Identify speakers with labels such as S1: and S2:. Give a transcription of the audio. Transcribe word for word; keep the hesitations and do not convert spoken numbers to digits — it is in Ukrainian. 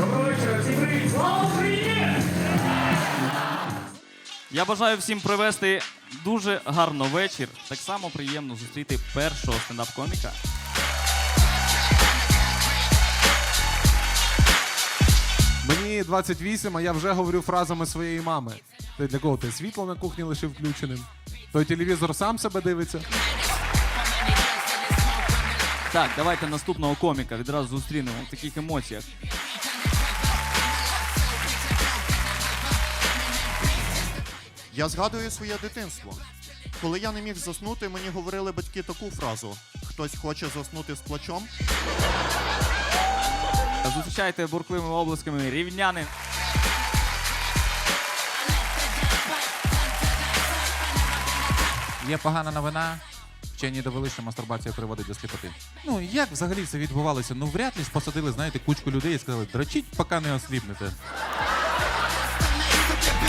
S1: Доброго вечора, всім привіт! Слава Україні!
S2: Я бажаю всім провести дуже гарно вечір. Так само приємно зустріти першого стендап-коміка.
S3: Мені двадцять вісім, а я вже говорю фразами своєї мами. Ти для кого? Ти світло на кухні лишив включеним? Той телевізор сам себе дивиться?
S2: Так, давайте наступного коміка відразу зустрінемо в таких емоціях.
S4: Я згадую своє дитинство. Коли я не міг заснути, мені говорили батьки таку фразу: хтось хоче заснути з плачом.
S2: Зустрічайте бурхливими обласками рівняни.
S5: Є погана новина. Вчені довели, що мастурбація приводить до сліпоти. Ну, як взагалі це відбувалося? Ну, вряд ли ж посадили, знаєте, кучку людей і сказали, дрочіть, поки не осліпнете.